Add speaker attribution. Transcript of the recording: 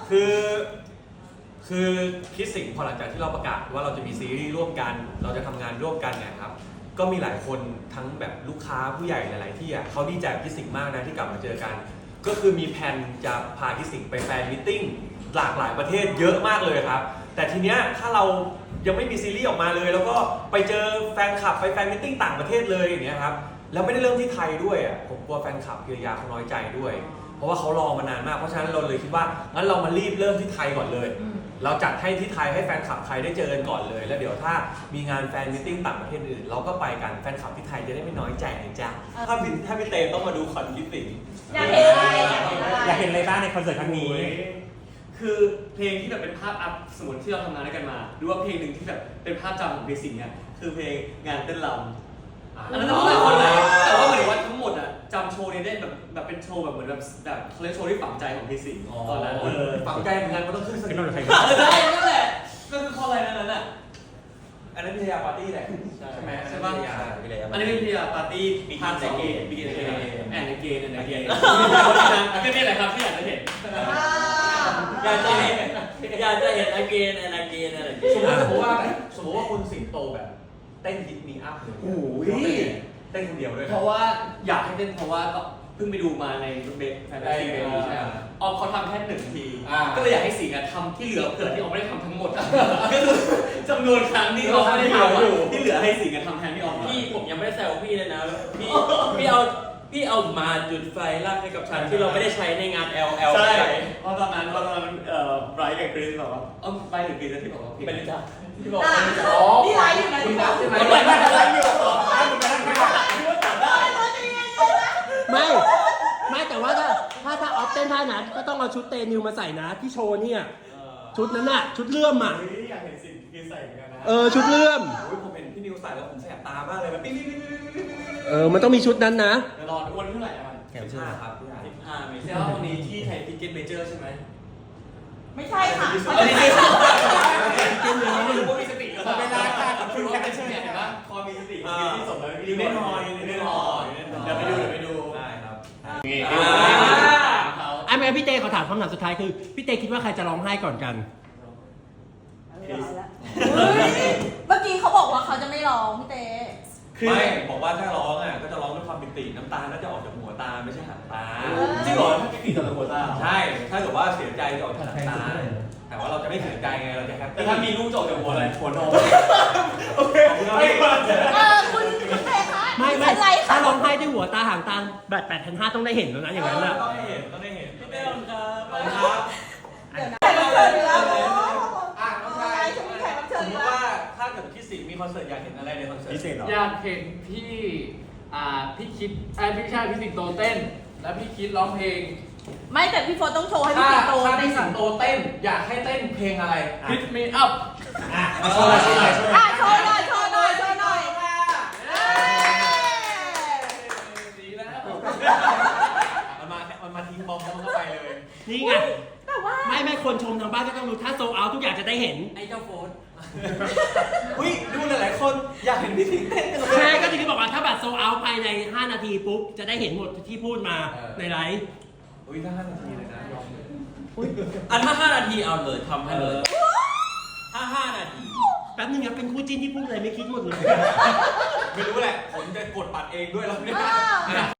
Speaker 1: คือคิดสิ่งพอหลังจากที่เราประกาศว่าเราจะมีซีรีส์ร่วมกันเราจะทำงานร่วมกันเนี่ยครับก็มีหลายคนทั้งแบบลูกค้าผู้ใหญ่หลายๆที่เขาดีใจกับคิดสิ่งมากนะที่กลับมาเจอกันก็คือมีแผนจะพาคิดสิ่งไปแฟนมิทติ้งหลากหลายประเทศเยอะมากเลยครับแต่ทีเนี้ยถ้าเรายังไม่มีซีรีส์ออกมาเลยแล้วก็ไปเจอแฟนคลับไปแฟนมิทติ้งต่างประเทศเลยอย่างเงี้ยครับแล้วไม่ได้เริ่มที่ไทยด้วยผมกลัวแฟนคลับพิรยาเขาน้อยใจด้วยเพราะว่าเขารอมานานมากเพราะฉะนั้นเราเลยคิดว่างั้นเรามารีบเริ่มที่ไทยก่อนเลยเราจัดให้ที่ไทยให้แฟนคลับไทยได้เจอกันก่อนเลยแล้วเดี๋ยวถ้ามีงานแฟนมิทติ้งต่างประเทศอื่นเราก็ไปกันแฟนคลับที่ไทยจะได้ไม่น้อยใจนะจ๊ะถ้าพี่เตต้องมาดูคอนคิดสิ่ง
Speaker 2: อยากเห็นอะไร
Speaker 3: อยากเห็นอะไรบ้างในคอนเสิร์ตครั้งนี้
Speaker 4: คือเพลงที่แบบเป็นภาพอัพสมมติที่เราทำงานด้วยกันมาหรือว่าเพลงหนึ่งที่แบบเป็นภาพจำของเบสิกเนี่ยคือเพลงงานเต้นรำอันนั้นต้องหลายคนเลยแต่ว่าเหมือนว่าทั้งหมดอ่ะจำโชว์นี้ได้แบบเป็นโชว์แบบเหมือนแบบเขาเรียกโชว์ที่ฝังใจของเบสิกตอนนั้น
Speaker 1: ฝังใจเหมือนกันมันต้องขึ้นส
Speaker 3: เป็น
Speaker 1: นิ
Speaker 3: ค
Speaker 1: ท
Speaker 3: นไทย
Speaker 4: ใช่นั่นแหละก็คือข้ออะไรนั้นอ่ะ
Speaker 1: อันนั้นพิรยาปาร์ตี้แหละใช่ไหม
Speaker 4: ใช่ป่ะอันนี้เป็นพีอาร์ปาร์ตี้พาร์ท2บิกินเกมแอนด์เกนแอนด์เกนก็นี่แหละครับที่อยากจะเห็น
Speaker 2: อยากจะเห็น
Speaker 5: again and again and again
Speaker 1: สมมติว่าคุณสิงโตแบบเต้นฮิตมีอัพเลยเต้นคนเดียวด้วย
Speaker 4: เพราะว่าอยากให้เต้นเพราะว่าเพิ่งไปดูมาในเบสแฟนตาซีเบบีใช่ไหมออมเขาทำแค่1 นาทีก็เลยอยากให้สิงห์ทำที่เหลือเผื่อที่ออมไม่ได้ทำทั้งหมดก็คือจำนวนครั้งที่ออมไม่ได้ทำที่เหลือให้สิงห์ทำแทนพี่ออม
Speaker 5: พี่ผมยังไม่ได้แซวพี่เลยนะพี่เอามาจุดไฟลากให้กับฉันที่เราไม่ได้ใช้ในงาน LL
Speaker 4: ใช่เพราะตอนนั้นไบรท์กับคริสบอกว่าไบรท์หรือคริสที่บอกว่าพี่
Speaker 5: เป็นจ้า
Speaker 4: ที่บอก
Speaker 2: นี่ไลฟ์อยู่นะพี่บอก
Speaker 4: ใช่ไหมไลฟ์อยู่
Speaker 3: ไม่แต่ว่าถ้าออฟเต้นท่านั้นก็ต้องเอาชุดเตนิวมาใส่นะที่โชว์เนี่ยชุดนั้นน่ะชุดเลื่อมอ่ะ
Speaker 4: อยากเห็นสิ่งที่ใส่เหมือนกันนะ
Speaker 3: ชุดเลื่อม
Speaker 1: ผมเห็นพี่นิวใส่แล้วผมแสบตามากเลยมันปิ๊ง
Speaker 3: มันต้องมีชุดนั้นนะ
Speaker 4: เดี๋ยวรอวันเท่าไหร่มัน
Speaker 1: 15ครับ
Speaker 4: 15ไม่ใช่ว่าวันนี้ที่ไทยทิกเก็ตเมเจอร์ใช่ไหม
Speaker 2: ไม่ใช่ค่ะ
Speaker 4: อันนี้คือ
Speaker 3: เต้นเลย
Speaker 4: ไม่รู้ว่ามีสติหรือเปล่าเวลาค่ะคุณแคปชั่นเนี่ยเห็นปะพอมีสติที่สมแล้วแน่นอนเดี๋ยวไปดู
Speaker 1: ได้ครับ
Speaker 3: ไม่พี่เต้เขาถามคำถามสุดท้ายคือพี่เต้คิดว่าใครจะร้องไห้ก่อนกัน
Speaker 2: เมื่อกี้เขาบอกว่าเขาจะไม่ร้องพี่เต้
Speaker 1: ไม่บอกว่าถ้าร้องก็จะร้องด้วยความปิติน้ำตาน่าจะออกจากหัวตาไม่ใช่หางตา
Speaker 4: จริงเหรอถ้าปิติจากหัวตา
Speaker 1: ใช่ถ้าเกิดว่าเสียใจจะออกจากหางตาแต่ว่าเราจะไม่เสียใจไงเราจะแฮปปี้
Speaker 4: แต่ถ้ามีลูกจบจากหัวอะไรหัวนม
Speaker 1: โอเค
Speaker 2: คุณเต้คะ
Speaker 3: ไม่
Speaker 2: อะไร
Speaker 3: ถ้า
Speaker 2: คะ
Speaker 3: ร้องไห้ด้วยหัวตาหางตาแบบ8,500ต้องได้เห็นแล้วนะอย่างนั้นน่ะ
Speaker 1: ต้องได้เห็นพี่เต้ครับ
Speaker 2: เดี๋ยวนะแขกรับเชิญอยู่แล้วอะไรจะมีแขกรับเชิ
Speaker 1: ส
Speaker 2: ญ
Speaker 1: ม
Speaker 2: อ
Speaker 1: ม
Speaker 2: ยู่
Speaker 1: ติ
Speaker 2: แล้ว
Speaker 1: ว่าถ้าเกิดพี่สิงห์มีคอนเสิร์ตอยากเห็นอะไรในคอนเสิร์ต
Speaker 3: พิเศษเหรอ
Speaker 6: อยากเห็นพี่คิดพี่ชายพี่สิงโตเต้น แล้วพี่คิดร้องเพลง
Speaker 2: ไม่แต่พี่โฟต้องโชว์ให้พี่สิงโต
Speaker 1: ถ้าพี่สิงโตเต้นอยากให้เต้นเพลงอะไร
Speaker 6: Hit Me Up
Speaker 3: โชว์หน่อย
Speaker 2: โชว์หน่อยโชว์หน่อยโชว์หน่อย
Speaker 6: ดีแล้ว
Speaker 1: มันมาทิ้งบอมแล้วมันก็ไปเลย
Speaker 3: นี่ไง
Speaker 2: แต่ว่า
Speaker 3: ไม่คนชมทางบ้านก็ต้องรู้ถ้าโซเอาทุกอย่างจะได้เห็น
Speaker 5: ไอ้เจ้าโฟน
Speaker 1: อุ้ยดูหลายๆคนอยากเห็นพี่สิงห์เต้นกันเลย
Speaker 3: ใช่ก็ที่บอกว่าถ้าบัตรโซเอาภายใน5 นาทีปุ๊บจะได้เห็นหมดที่พูดมาในไลฟ์
Speaker 1: อุ้ยถ้า5 นาทีเลยนะยอมเลย
Speaker 5: ถ้า5 นาทีเอาเลยทำให้เลยถ้า5 นาที
Speaker 3: แป๊บนึงครับเป็นคู่จิ้นที่พูดอะไรไม่คิดหมดเลย
Speaker 1: ไม่รู้แหละผมจะกดบัตรเองด้วยแล้วเนี่ย